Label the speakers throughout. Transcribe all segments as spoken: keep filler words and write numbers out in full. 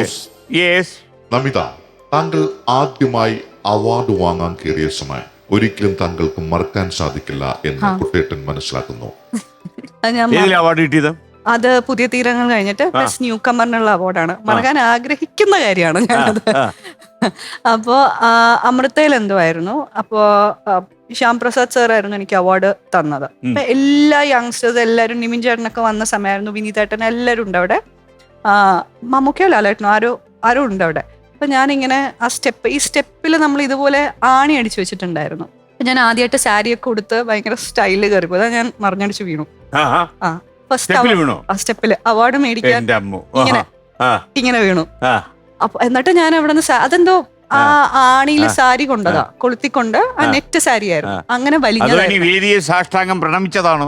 Speaker 1: നമിത, താങ്കൾ ആദ്യമായി അവാർഡ് വാങ്ങാൻ കയറിയ സമയം ഒരിക്കലും താങ്കൾക്ക് മറക്കാൻ സാധിക്കില്ല എന്ന് കുട്ടേട്ടൻ മനസ്സിലാക്കുന്നു.
Speaker 2: അവാർഡ് കിട്ടിയത്
Speaker 3: അത് പുതിയ തീരങ്ങൾ കഴിഞ്ഞിട്ട് ബെസ്റ്റ് ന്യൂ കമറിനുള്ള അവാർഡാണ്. മറക്കാൻ ആഗ്രഹിക്കുന്ന കാര്യമാണ് ഞാനത്. അപ്പോ അമൃതയിൽ എന്തുമായിരുന്നു, അപ്പോ ശ്യാം പ്രസാദ് സാർ ആയിരുന്നു എനിക്ക് അവാർഡ് തന്നത്. അപ്പൊ എല്ലാ യങ്സ്റ്റേഴ്സ് എല്ലാവരും, നിമിൻ ചേട്ടനൊക്കെ വന്ന സമയമായിരുന്നു, വിനീതേട്ടൻ എല്ലാവരും ഉണ്ട് അവിടെ, മമ്മൂക്കയോ ലാലേട്ടനോ ആരോ ആരോ ഉണ്ട് അവിടെ. അപ്പൊ ഞാനിങ്ങനെ ആ സ്റ്റെപ്പ് ഈ സ്റ്റെപ്പിൽ നമ്മൾ ഇതുപോലെ ആണി അടിച്ചു വെച്ചിട്ടുണ്ടായിരുന്നു. അപ്പൊ ഞാൻ ആദ്യമായിട്ട് സാരിയൊക്കെ കൊടുത്ത് ഭയങ്കര സ്റ്റൈല് കയറി പോയി. ഞാൻ മറിഞ്ഞടിച്ച് വീണു. ആ ഫസ്റ്റ് സ്റ്റെപ്പില് അവാർഡ് മേടിക്കാൻ ഇങ്ങനെ ഇങ്ങനെ വീണു. അപ്പൊ എന്നിട്ട് ഞാൻ അവിടെ നിന്ന് അതെന്തോ ആ ആണിയില് സാരി കൊണ്ടതാ, കൊളുത്തിക്കൊണ്ട് ആ നെറ്റ് സാരി ആയിരുന്നു. അങ്ങനെ വലിയ
Speaker 2: സാഷ്ടാംഗം പ്രണമിച്ചതാണോ?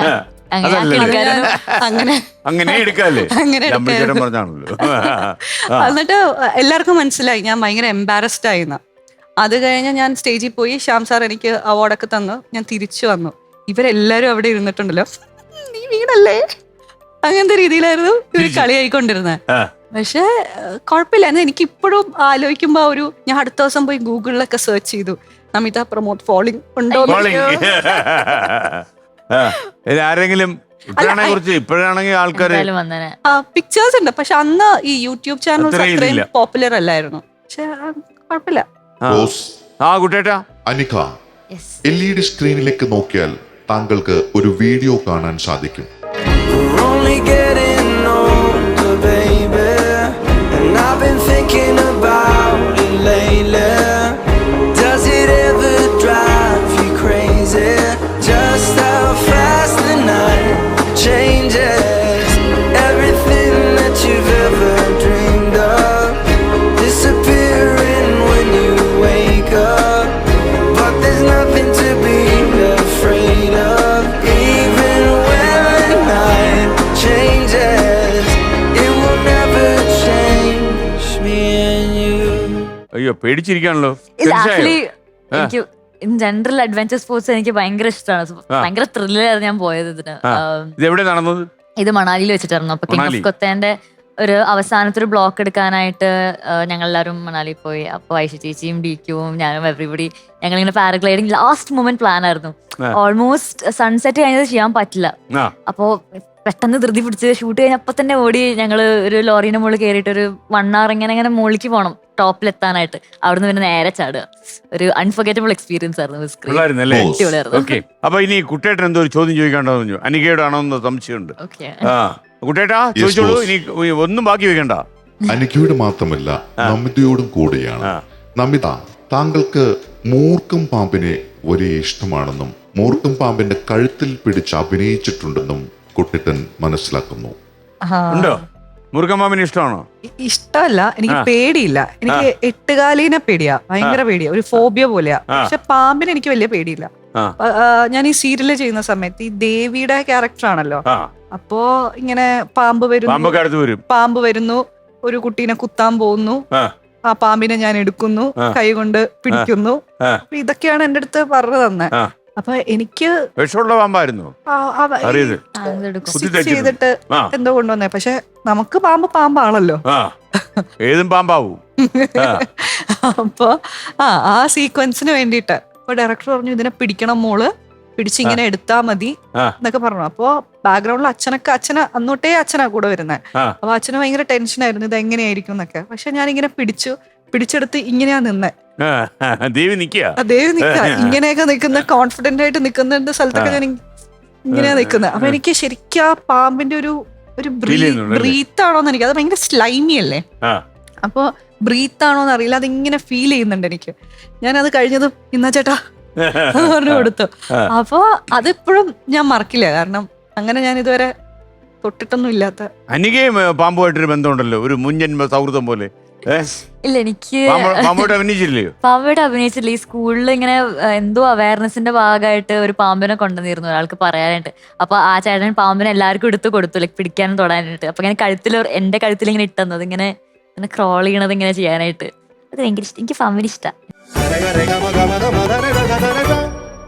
Speaker 3: അങ്ങനെ
Speaker 2: അങ്ങനെ എടുക്കാല്ലേ?
Speaker 3: എന്നിട്ട് എല്ലാവർക്കും മനസ്സിലായി ഞാൻ ഭയങ്കര എംബാരസ്ഡ് ആയിന്ന്. അത് കഴിഞ്ഞ് ഞാൻ സ്റ്റേജിൽ പോയി, ശ്യാം സാർ എനിക്ക് അവാർഡൊക്കെ തന്നു. ഞാൻ തിരിച്ചു വന്നു. ഇവരെല്ലാരും അവിടെ ഇരുന്നിട്ടുണ്ടല്ലോ, നീ വീണല്ലേ, അങ്ങനത്തെ രീതിയിലായിരുന്നു ഇവര് കളിയായിക്കൊണ്ടിരുന്നത്. പക്ഷെ കുഴപ്പമില്ല. എനിക്ക് ഇപ്പോഴും ആലോചിക്കുമ്പോ ഒരു, ഞാൻ അടുത്ത ദിവസം പോയി ഗൂഗിളിലൊക്കെ സെർച്ച് ചെയ്തു, നമിത പ്രമോദ് ഫോളിംഗ് ഉണ്ടോ.
Speaker 2: ആരെങ്കിലും ഇപ്പോഴാണെങ്കിൽ ആൾക്കാർ
Speaker 3: പിക്ചേഴ്സ് ഉണ്ട്, പക്ഷെ അന്ന് ഈ യൂട്യൂബ് ചാനൽസ് അത്രയും പോപ്പുലർ അല്ലായിരുന്നു. പക്ഷെ കുഴപ്പമില്ല.
Speaker 1: അനിക, എൽ ഇ ഡി സ്ക്രീനിലേക്ക് നോക്കിയാൽ താങ്കൾക്ക് ഒരു വീഡിയോ കാണാൻ സാധിക്കും.
Speaker 2: അയ്യോ, പേടിച്ചിരിക്കാണല്ലോ.
Speaker 4: എനിക്ക് ജനറൽ അഡ്വഞ്ചർ സ്പോർട്സ് എനിക്ക് ഭയങ്കര ഇഷ്ടമാണ്. ഭയങ്കര ത്രില്ലായിരുന്നു ഞാൻ പോയത് ഇതിന്.
Speaker 2: ഇത് എവിടെ നടന്നത്?
Speaker 4: ഇത് മണാലിയിൽ വെച്ചിട്ടായിരുന്നു. അപ്പൊ കിങ് ഓഫ് കൊത്തേന്റെ ഒരു അവസാനത്തെ ഒരു ബ്ലോക്ക് എടുക്കാനായിട്ട് ഞങ്ങൾ എല്ലാവരും മണാലിയിൽ പോയി. അപ്പൊ ഐഷ ചേച്ചിയും ഡി ക്യൂവും ഞാനും എവറിബഡി ഞങ്ങളിങ്ങനെ പാരഗ്ലൈഡിങ് ലാസ്റ്റ് മൊമെന്റ് പ്ലാൻ ആയിരുന്നു. ഓൾമോസ്റ്റ് സൺസെറ്റ് കഴിഞ്ഞത് ചെയ്യാൻ പറ്റില്ല. അപ്പോ പെട്ടെന്ന് ധൃതി പിടിച്ച് ഷൂട്ട് കഴിഞ്ഞപ്പോ തന്നെ ഓടി ഞങ്ങള് ഒരു ലോറീന്റെ മുകളിൽ കയറിയിട്ട് ഒരു വൺ അവർ ഇങ്ങനെ ഇങ്ങനെ മുകളിലേക്ക് പോകണം ടോപ്പിലെത്താനായിട്ട്. അവിടുന്ന് പിന്നെ നേരെ ചാടുക. ഒരു അൺഫർഗറ്റബിൾ എക്സ്പീരിയൻസ് ആയിരുന്നു.
Speaker 2: അപ്പൊ ഇനി കുട്ടേട്ടൻ എന്തോ ഒരു ചോദ്യം ചോദിക്കാണ്ടോ? അനികയോടാണോ എന്ന് സംശയമുണ്ട്. കുട്ടേട്ടാ ചോദിച്ചോളൂ, ഇനി ഒന്നും ബാക്കി വെക്കണ്ട.
Speaker 1: അനികയോട് മാത്രമല്ല നമിതയോടും കൂടിയാണ്. നമിത, താങ്കൾക്ക് മൂർഖം പാമ്പിനെ ഒരേ ഇഷ്ടമാണെന്നും മൂർഖം പാമ്പിന്റെ കഴുത്തിൽ പിടിച്ച് അഭിനയിച്ചിട്ടുണ്ടെന്നും കുട്ടേട്ടൻ മനസ്സിലാക്കുന്നു.
Speaker 2: ഉണ്ടോ? മൂർഖം പാമ്പിന് ഇഷ്ടമാണോ?
Speaker 3: ഇഷ്ടമല്ല, എനിക്ക് പേടിയില്ല. എനിക്ക് എട്ടുകാലീനെ പേടിയാ, ഭയങ്കര പേടിയാ, ഒരു ഫോബിയ പോലെയാ. പക്ഷെ പാമ്പിന് എനിക്ക് വലിയ പേടിയില്ല. ഞാൻ ഈ സീരിയല് ചെയ്യുന്ന സമയത്ത് ഈ ദേവിയുടെ ക്യാരക്ടർ ആണല്ലോ, അപ്പോ ഇങ്ങനെ പാമ്പ് വരുന്നു പാമ്പ് വരുന്നു ഒരു കുട്ടീനെ കുത്താൻ പോകുന്നു, ആ പാമ്പിനെ ഞാൻ എടുക്കുന്നു, കൈ കൊണ്ട് പിടിക്കുന്നു. അപ്പൊ ഇതൊക്കെയാണ് എന്റെ അടുത്ത് പറഞ്ഞു തന്നെ. അപ്പൊ എനിക്ക് ചെയ്തിട്ട് എന്തോ കൊണ്ടുവന്നേ. പക്ഷെ നമുക്ക് പാമ്പ് പാമ്പാണല്ലോ,
Speaker 2: ഏതും പാമ്പാവും.
Speaker 3: അപ്പൊ ആ ആ സീക്വൻസിന് വേണ്ടിട്ട് അപ്പൊ ഡയറക്ടർ പറഞ്ഞു ഇതിനെ പിടിക്കണം മോള്, പിടിച്ചിങ്ങനെ എടുത്താ മതി എന്നൊക്കെ പറഞ്ഞു. അപ്പൊ ബാക്ക്ഗ്രൗണ്ടിൽ അച്ഛനൊക്കെ അച്ഛന അന്നോട്ടേ അച്ഛനാ കൂടെ വരുന്നത്. അപ്പൊ അച്ഛന് ഭയങ്കര ടെൻഷനായിരുന്നു ഇത് എങ്ങനെയായിരിക്കും എന്നൊക്കെ. പക്ഷെ ഞാനിങ്ങനെ പിടിച്ചു പിടിച്ചെടുത്ത് ഇങ്ങനെയാ നിന്നെ.
Speaker 2: ദേവി നിക്ക
Speaker 3: ദേവി നിക്ക ഇങ്ങനെയൊക്കെ നിക്കുന്ന, കോൺഫിഡന്റ് ആയിട്ട് നിക്കുന്ന സ്ഥലത്തൊക്കെ ഞാൻ ഇങ്ങനെയാ നിക്കുന്നത്. അപ്പൊ എനിക്ക് ശരിക്കും ആ പാമ്പിന്റെ ഒരു ഒരു ബ്രീത്ത് ആണോന്ന് എനിക്ക്, അത് ഭയങ്കര സ്ലൈമി അല്ലേ, അപ്പൊ ബ്രീത്ത് ആണോന്ന് അറിയില്ല, അതിങ്ങനെ ഫീൽ ചെയ്യുന്നുണ്ട് എനിക്ക്. ഞാൻ അത് കഴിഞ്ഞതും ഇന്നാ ചേട്ടാ പറഞ്ഞു കൊടുത്തു. അപ്പൊ അതിപ്പോഴും ഞാൻ മറക്കില്ല, കാരണം അങ്ങനെ ഞാൻ ഇതുവരെ തൊട്ടിട്ടൊന്നും ഇല്ലാത്ത.
Speaker 2: അനികയും പാമ്പുമായിട്ടൊരു ബന്ധമുണ്ടല്ലോ, ഒരു മുൻജന്മ സൗഹൃദം പോലെ.
Speaker 4: ഇല്ല, എനിക്ക്
Speaker 2: പാമ്പോട്ട് അഭിനയിച്ചില്ലയോ?
Speaker 4: പാമ്പോട്ട് അഭിനയിച്ചില്ല. ഈ സ്കൂളിൽ ഇങ്ങനെ എന്തോ അവയർനെസിന്റെ ഭാഗമായിട്ട് ഒരു പാമ്പിനെ കൊണ്ടുവന്നിരുന്നു ഒരാൾക്ക് പറയാനായിട്ട്. അപ്പൊ ആ ചേട്ടൻ പാമ്പിനെ എല്ലാവർക്കും എടുത്ത് കൊടുത്തു, ലൈക്ക് പിടിക്കാനും തൊടാനായിട്ട്. അപ്പൊ ഇങ്ങനെ കഴുത്തിൽ എന്റെ കഴുത്തിൽ ഇങ്ങനെ ഇട്ടുന്നത്, ഇങ്ങനെ ഇങ്ങനെ ക്രോൾ ചെയ്യണത് ഇങ്ങനെ ചെയ്യാനായിട്ട്. അത് ഭയങ്കര ഇഷ്ടം, എനിക്ക് പാമ്പിന് ഇഷ്ടം.